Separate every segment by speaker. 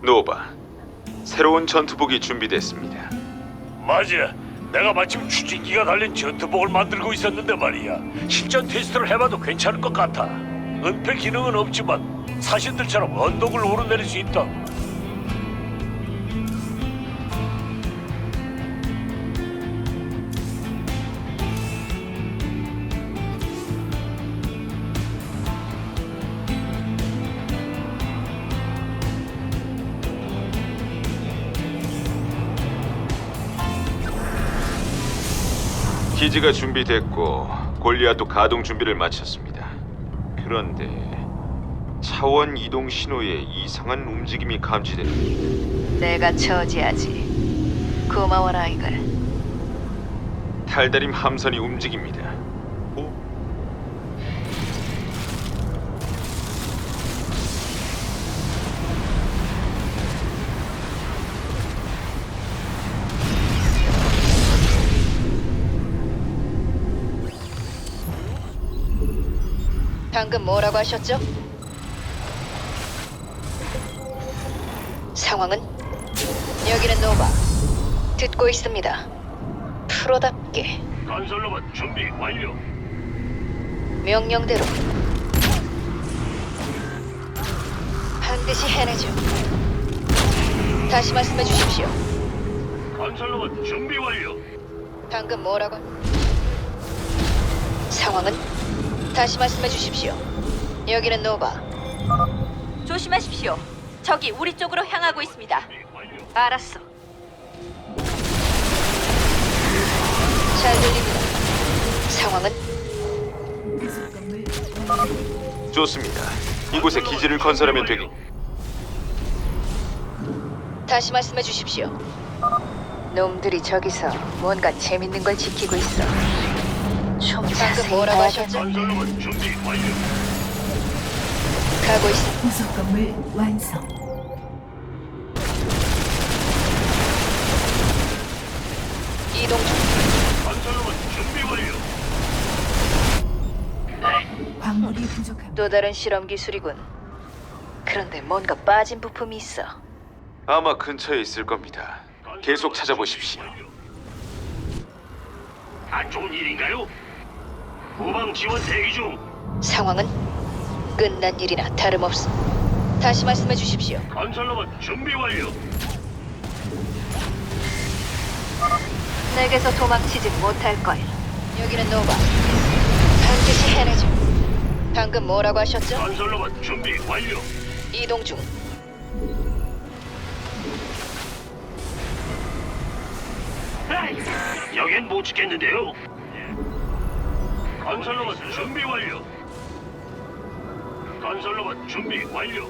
Speaker 1: 노바, 새로운 전투복이 준비됐습니다.
Speaker 2: 맞아. 내가 마침 추진기가 달린 전투복을 만들고 있었는데 말이야. 실전 테스트를 해봐도 괜찮을 것 같아. 은폐 기능은 없지만 사신들처럼 언덕을 오르내릴 수 있다.
Speaker 1: 기지가 준비됐고 골리앗도 가동 준비를 마쳤습니다. 그런데 차원 이동 신호에 이상한 움직임이 감지됩니다.
Speaker 3: 내가 처지하지. 고마워라 이걸.
Speaker 1: 탈다림 함선이 움직입니다. 오?
Speaker 3: 방금 뭐라고 하셨죠? 상황은? 여기는 노바. 듣고 있습니다. 프로답게
Speaker 2: 건설로봇 준비 완료.
Speaker 3: 명령대로 반드시 해내죠. 다시 말씀해 주십시오.
Speaker 2: 건설로봇 준비 완료.
Speaker 3: 방금 뭐라고? 상황은? 다시 말씀해 주십시오. 여기는 노바. 조심하십시오. 적이 우리 쪽으로 향하고 있습니다. 알았어. 잘 들립니다. 상황은?
Speaker 1: 좋습니다. 이곳에 기지를 건설하면 되겠.
Speaker 3: 다시 말씀해 주십시오. 놈들이 저기서 뭔가 재밌는 걸 지키고 있어. 좀 방금 뭐라고 하셨죠?
Speaker 2: 건설로봇 준비 완료.
Speaker 3: 가고 있어.
Speaker 4: 부속 건물 완성.
Speaker 3: 이동 중.
Speaker 2: 건설로봇 준비 완료.
Speaker 4: 광물이 부족합니다.
Speaker 3: 또 다른 실험 기술이군. 그런데 뭔가 빠진 부품이 있어.
Speaker 1: 아마 근처에 있을 겁니다. 계속 찾아보십시오.
Speaker 2: 안 좋은 일인가요? 후방 지원 대기 중.
Speaker 3: 상황은 끝난 일이나 다름없어. 다시 말씀해 주십시오.
Speaker 2: 건설로봇 준비 완료.
Speaker 3: 내게서 도망치지 못할 거야. 여기는 노바. 반드시 해내죠. 방금 뭐라고 하셨죠?
Speaker 2: 건설로봇 준비 완료.
Speaker 3: 이동 중.
Speaker 2: 여긴 못 지켰는데요. 건설로봇 준비 완료. 건설로봇 준비 완료.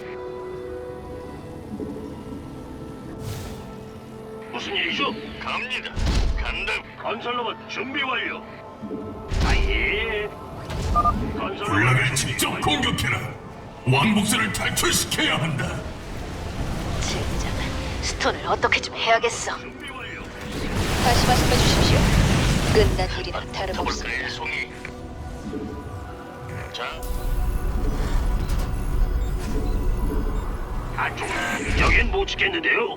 Speaker 2: 무슨 일이죠? 갑니다. 간다. 건설로봇 준비 완료. 아예.
Speaker 5: 군락을 직접 공격해라. 왕복선을 탈출시켜야 한다.
Speaker 3: 젠장. 스톤을 어떻게 좀 해야겠어.
Speaker 2: 준비 완료.
Speaker 3: 다시 말씀해 주십시오. 끝난 일이나 다름없습니다.
Speaker 2: 송이. 자. 안쪽. 여긴 못 지켰는데요.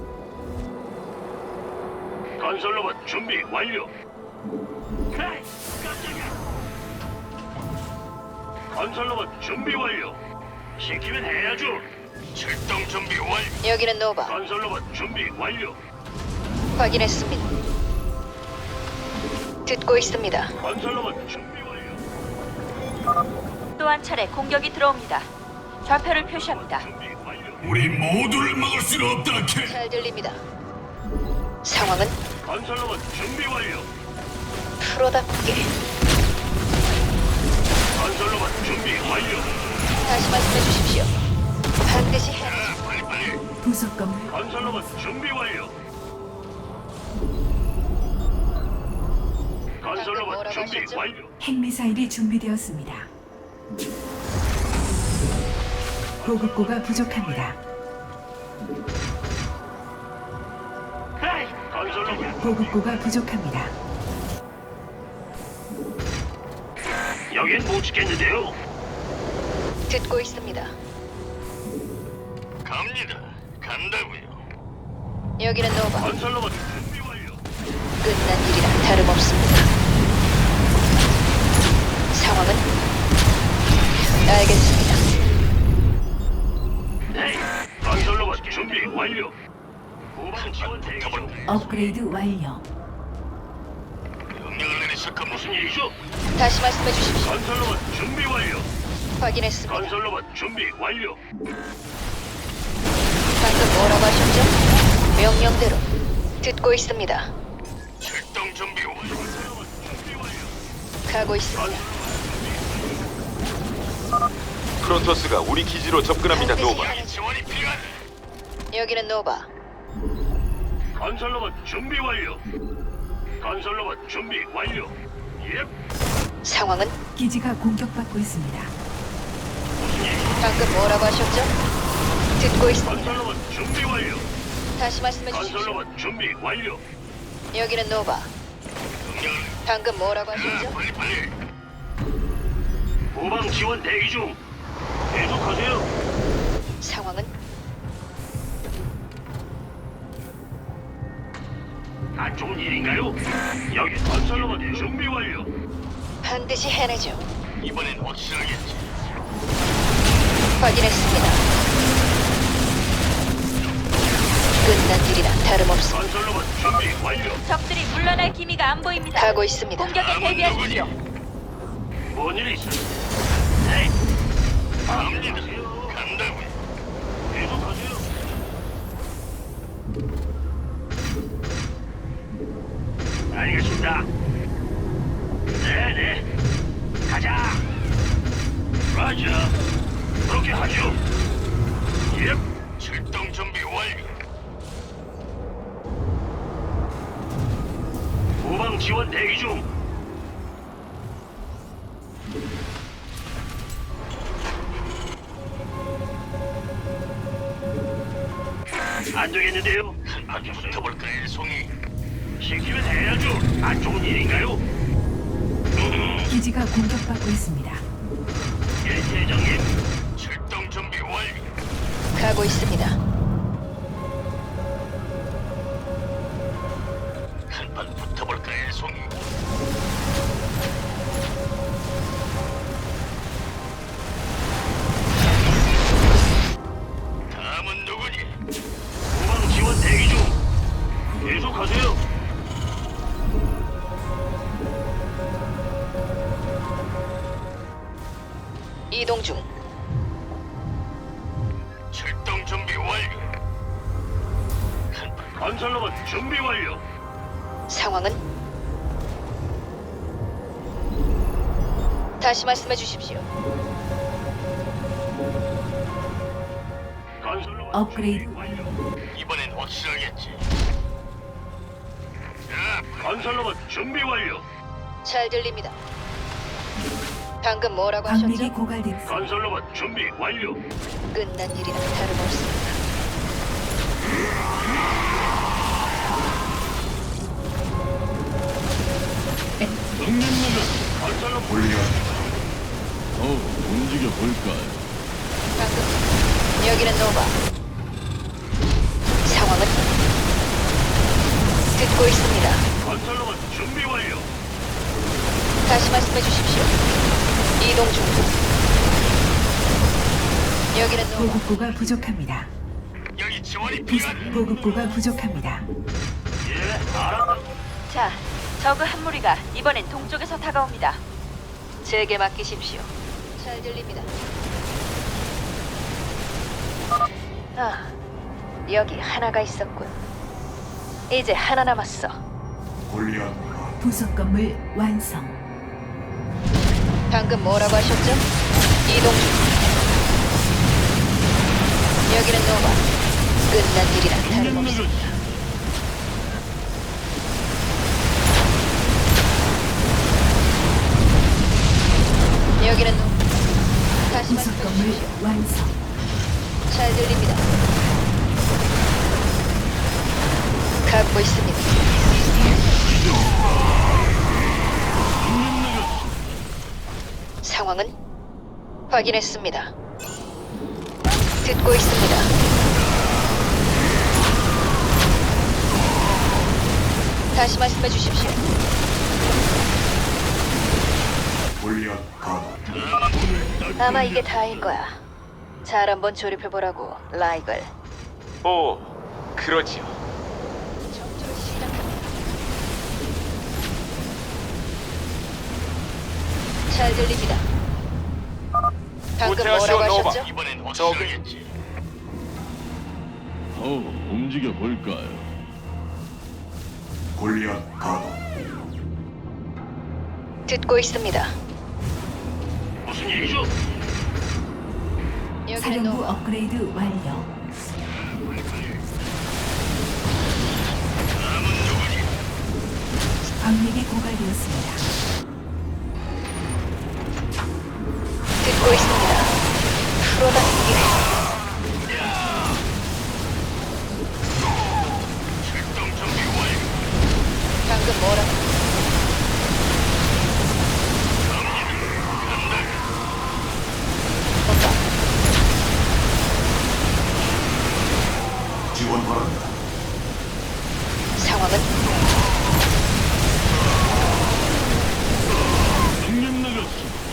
Speaker 2: 건설로봇 준비 완료. 에이, 깜짝이야. 건설로봇 준비 완료. 시키면 해야죠. 출동 준비 완료.
Speaker 3: 여기는 노바.
Speaker 2: 건설로봇 준비 완료.
Speaker 3: 확인했습니다. 듣고 있습니다.
Speaker 2: 건설로봇 준비 완료.
Speaker 6: 또 한 차례 공격이 들어옵니다. 좌표를 표시합니다.
Speaker 2: 준비 완료.
Speaker 5: 우리 모두를 막을 수는 없다, 캐.
Speaker 3: 잘 들립니다. 상황은
Speaker 2: 건설로봇 준비 완료.
Speaker 3: 프로답게.
Speaker 2: 건설로봇 준비 완료.
Speaker 3: 다시 말씀해 주십시오. 반드시 해.
Speaker 2: 자, 빨리.
Speaker 4: 부속 건물
Speaker 2: 건설로봇 준비 완료. 건설로봇
Speaker 3: 뭐라고
Speaker 2: 준비
Speaker 3: 하셨죠?
Speaker 2: 완료.
Speaker 4: 핵미사일이 준비되었습니다. 보급고가 부족합니다.
Speaker 2: 건설로봇
Speaker 4: 보급고가 부족합니다.
Speaker 2: 여긴 못 지켰는데요.
Speaker 3: 듣고 있습니다.
Speaker 2: 갑니다.
Speaker 5: 간다고요.
Speaker 3: 여기는 노바.
Speaker 2: 건설로봇 준비 완료.
Speaker 3: 끝난 일이라 다름없습니다. 상황은? 알겠습니다.
Speaker 2: 네. 건설로봇 준비 완료. 후방 지원 대기 중.
Speaker 4: 업그레이드 완료.
Speaker 5: 명령을 내리실까
Speaker 2: 무슨 일이죠?
Speaker 3: 다시 말씀해 주십시오.
Speaker 2: 건설로봇 준비 완료.
Speaker 3: 확인했습니다.
Speaker 2: 건설로봇 준비 완료.
Speaker 3: 방금 뭐라고 하셨죠? 명령대로 듣고 있습니다.
Speaker 5: 출동 준비 완료.
Speaker 2: 건설로봇 준비 완료.
Speaker 3: 가고 있습니다.
Speaker 1: 프로토스가 우리 기지로 접근합니다.
Speaker 3: 반드시
Speaker 1: 노바.
Speaker 3: 해내죠.
Speaker 5: 지원이 필요하다.
Speaker 3: 여기는 노바.
Speaker 2: 건설로봇 준비 완료. 건설로봇 준비 완료. 예.
Speaker 3: 상황은?
Speaker 4: 기지가 공격받고 있습니다.
Speaker 2: 무슨 일?
Speaker 3: 방금 뭐라고 하셨죠? 듣고 있습니다.
Speaker 2: 건설로봇 준비 완료.
Speaker 3: 다시 말씀해 주십시오.
Speaker 2: 건설로봇 준비 완료.
Speaker 3: 여기는 노바.
Speaker 5: 명령을
Speaker 3: 방금 뭐라고 하셨죠?
Speaker 5: 빨리.
Speaker 2: 후방 지원 대기 중. 계속하세요.
Speaker 3: 상황은?
Speaker 2: 안 좋은 일인가요? 여기 건설로봇 준비 완료.
Speaker 3: 반드시 해내죠.
Speaker 5: 이번엔 확실하겠지.
Speaker 3: 확인했습니다. 끝난 일이라 다름없습니다.
Speaker 2: 건설로봇 준비 완료.
Speaker 6: 적들이 물러날 기미가 안 보입니다.
Speaker 3: 가고 있습니다.
Speaker 6: 공격에 대비하십시오.
Speaker 2: 뭔 일이 있어? 네.
Speaker 5: 갑니다. 간다고요.
Speaker 2: 계속하세요. 알겠습니다. 네네. 가자. 라자. 그렇게 하죠. 예.
Speaker 5: 출동 준비 완료.
Speaker 2: 후방 지원 대기 중. 안 되겠는데요? 아주
Speaker 5: 붙어볼까요, 송이?
Speaker 2: 시키면 해야죠. 안 좋은 일인가요?
Speaker 4: 기지가 공격받고 있습니다.
Speaker 2: 예, 대장님.
Speaker 5: 출동 준비 완료.
Speaker 3: 가고 있습니다.
Speaker 5: 한판 붙어볼까요, 송이? 다음은 누구니?
Speaker 2: 후방 지원 대기 중. 계속하세요.
Speaker 3: 이동 중.
Speaker 5: 출동 준비 완료. 한판
Speaker 2: 건설로봇 준비 완료.
Speaker 3: 상황은? 다시 말씀해 주십시오.
Speaker 2: 건설로봇
Speaker 4: 업그레이드.
Speaker 2: 준비 완료.
Speaker 5: 이번엔 확실하겠지. 자,
Speaker 2: 건설로봇 준비 완료.
Speaker 3: 잘 들립니다. 방금 뭐라고
Speaker 4: 광맥이
Speaker 3: 하셨죠?
Speaker 4: 고갈됩니다.
Speaker 2: 건설로봇 준비 완료.
Speaker 3: 끝난 일이라 다름없습니다.
Speaker 2: 건설로봇
Speaker 7: 움직여 볼까요?
Speaker 3: 방금 여기는 노바. 상황은? 듣고 있습니다.
Speaker 2: 건설로봇 준비 완료.
Speaker 3: 다시 말씀해 주십시오. 이동 중. 여기는 노바.
Speaker 4: 보급고가 부족합니다.
Speaker 5: 여기 지원이 필요하다.
Speaker 4: 보급고가 부족합니다.
Speaker 2: 예, 알았다.
Speaker 6: 자, 저그 한 무리가 이번엔 동쪽에서 다가옵니다.
Speaker 3: 제게 맡기십시오. 잘 들립니다. 아, 여기 하나가 있었군. 이제 하나 남았어.
Speaker 4: 부속 건물 완성.
Speaker 3: 방금 뭐라고 하셨죠? 이동 중. 여기는 노바. 끝난 일이라 다름없어. 여기는 노바. 다시
Speaker 4: 부속
Speaker 3: 말씀해
Speaker 4: 건물
Speaker 3: 주십시오.
Speaker 4: 완성.
Speaker 3: 잘 들립니다. 갖고 있습니다. 상황은? 확인했습니다. 듣고 있습니다. 다시 말씀해 주십시오. 아마 이게 다일 거야. 잘 한번 조립해 보라고, 라이걸.
Speaker 1: 오, 그러지요.
Speaker 3: 전투를 시작합니다. 잘 들립니다. 방금
Speaker 1: 오태하시오,
Speaker 3: 뭐라고
Speaker 1: 노바.
Speaker 3: 하셨죠?
Speaker 5: 이번엔
Speaker 1: 저기-
Speaker 5: 확실하겠지.
Speaker 7: 움직여 볼까요?
Speaker 3: 듣고 있습니다.
Speaker 5: 무슨 일이죠?
Speaker 3: 여기는
Speaker 4: 사령부
Speaker 3: 노바.
Speaker 4: 업그레이드 완료.
Speaker 5: 다음은 누구니?
Speaker 4: 광맥이 고갈되었습니다.
Speaker 3: 듣고 있습니다. 프로답게
Speaker 5: 출동 준비 완료.
Speaker 3: 방금 뭐라고? 뭔가 상황은
Speaker 7: 형님 나갔어.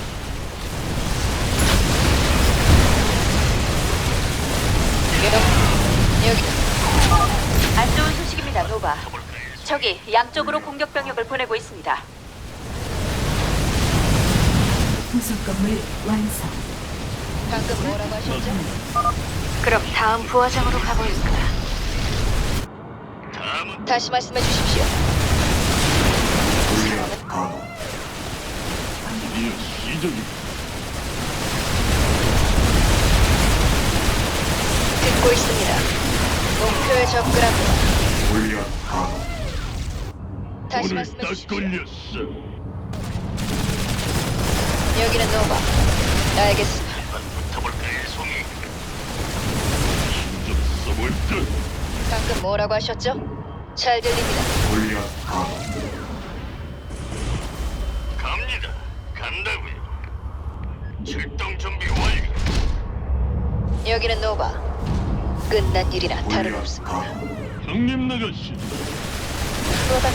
Speaker 3: 여기
Speaker 6: 안 좋은 소식입니다, 노바. 적이 양쪽으로 공격 병력을 보내고 있습니다.
Speaker 4: 부속 건물 완성.
Speaker 3: 방금 뭐라고 하셨죠? 그럼 다음 부화장으로 가볼까?
Speaker 5: 다음은
Speaker 3: 다시 말씀해 주십시오.
Speaker 7: 드디어 시작이.
Speaker 3: 듣고 있습니다. 목표에 접근합니다. 다시
Speaker 7: 오늘
Speaker 3: 말씀해
Speaker 7: 딱
Speaker 3: 주십시오.
Speaker 7: 걸렸어.
Speaker 3: 여기는 노바. 알겠습니다.
Speaker 5: 한번 붙어볼까요, 송이?
Speaker 7: 힘좀 써볼까?
Speaker 3: 방금 뭐라고 하셨죠? 잘 들립니다.
Speaker 5: 갑니다. 간다고요. 출동 준비 완료.
Speaker 3: 여기는 노바. 끝난 일이나 다름없습니다.
Speaker 7: 형님 나갔어.
Speaker 3: 프로답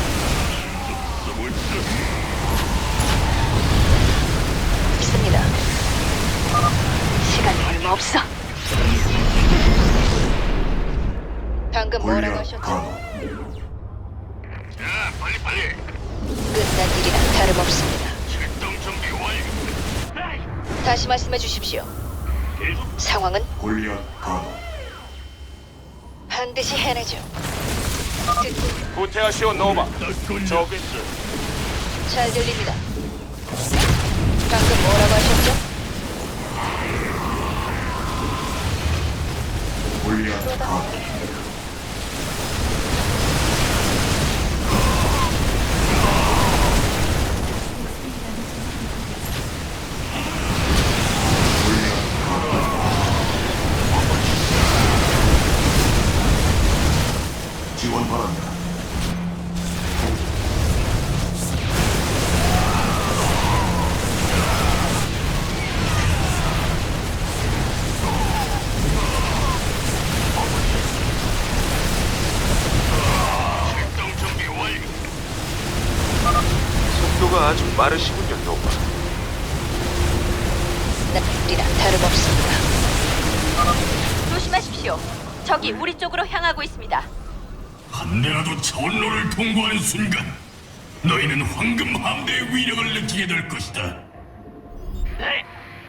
Speaker 7: 써볼까?
Speaker 3: 있습니다. 시간이 얼마 없어. 방금 뭐라고 하셨죠?
Speaker 5: 자, 빨리.
Speaker 3: 끝난 일이나 다름없습니다.
Speaker 5: 출동 준비 완료.
Speaker 3: 다시 말씀해 주십시오.
Speaker 5: 계속
Speaker 3: 상황은 반드시 해내죠. 듣고
Speaker 1: 오태하시오, 노바.
Speaker 7: 딱 걸렸어.
Speaker 1: 저기
Speaker 3: 잘 들립니다. 방금 뭐라고 하셨죠?
Speaker 5: 출동 준비 완료.
Speaker 1: 속도가 아주 빠르시군요, 노바.
Speaker 3: 끝난 일이나 다름없습니다.
Speaker 6: 조심하십시오. 적이 우리 쪽으로 향하고 있습니다.
Speaker 5: 한 대라도 차원로를 통과하는 순간 너희는 황금 함대의 위력을 느끼게 될 것이다. 네.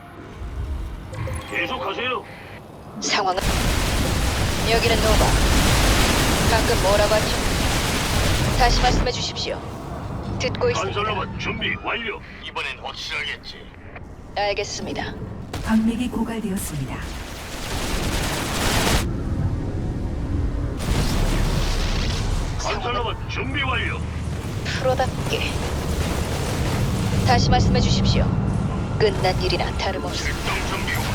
Speaker 5: 계속하세요.
Speaker 3: 상황은 여기는 노바. 방금 뭐라고 하죠? 다시 말씀해 주십시오. 듣고 있습니다.
Speaker 5: 건설로봇 준비 완료. 이번엔 확실하겠지.
Speaker 3: 알겠습니다.
Speaker 4: 광맥이 고갈되었습니다.
Speaker 5: 건설로봇 준비 완료.
Speaker 3: 프로답게 다시 말씀해 주십시오. 끝난 일이나 다름없습니다.
Speaker 5: 출동 준비 완료.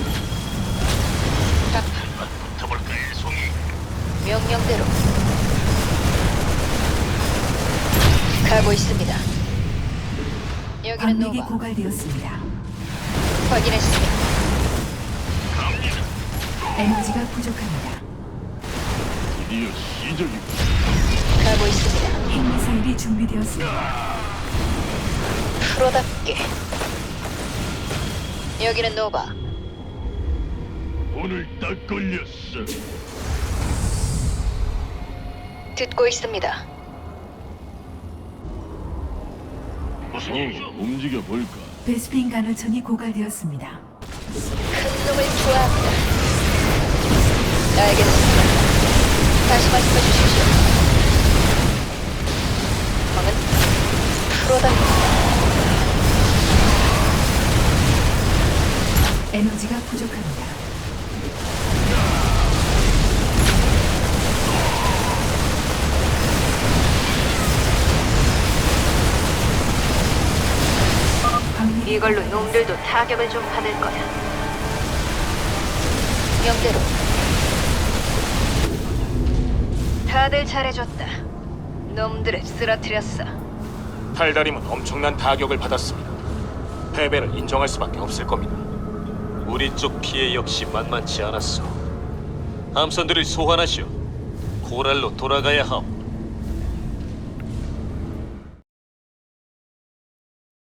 Speaker 5: 한번 붙어볼까요, 송이?
Speaker 3: 명령대로 가고 있습니다. 여기는
Speaker 4: 광맥이
Speaker 3: 노바.
Speaker 4: 고갈되었습니다.
Speaker 3: 확인했습니다.
Speaker 5: 갑니다.
Speaker 4: 에너지가 부족합니다.
Speaker 7: 드디어 시작이.
Speaker 3: 가고 있습니다.
Speaker 4: 핵미사일이 준비되었습니다.
Speaker 3: 프로답게. 여기는 노바.
Speaker 7: 오늘 딱 걸렸어.
Speaker 3: 듣고 있습니다.
Speaker 2: 무슨 일이죠?
Speaker 7: 움직여 볼까?
Speaker 4: 베스핀 간헐천이 고갈되었습니다.
Speaker 3: 큰 놈을 좋아합니다. 알겠습니다. 다시 말씀해 주십시오. 방은 프로답게.
Speaker 4: 에너지가 부족합니다. 광맥이
Speaker 6: 이걸로 놈들도 타격을 좀 받을 거야.
Speaker 3: 명대로.
Speaker 6: 다들 잘해줬다. 놈들을 쓰러뜨렸어.
Speaker 8: 탈다림은 엄청난 타격을 받았습니다. 패배를 인정할 수밖에 없을 겁니다. 우리 쪽 피해 역시 만만치 않았어. 함선들을 소환하시오. 코랄로 돌아가야 하오.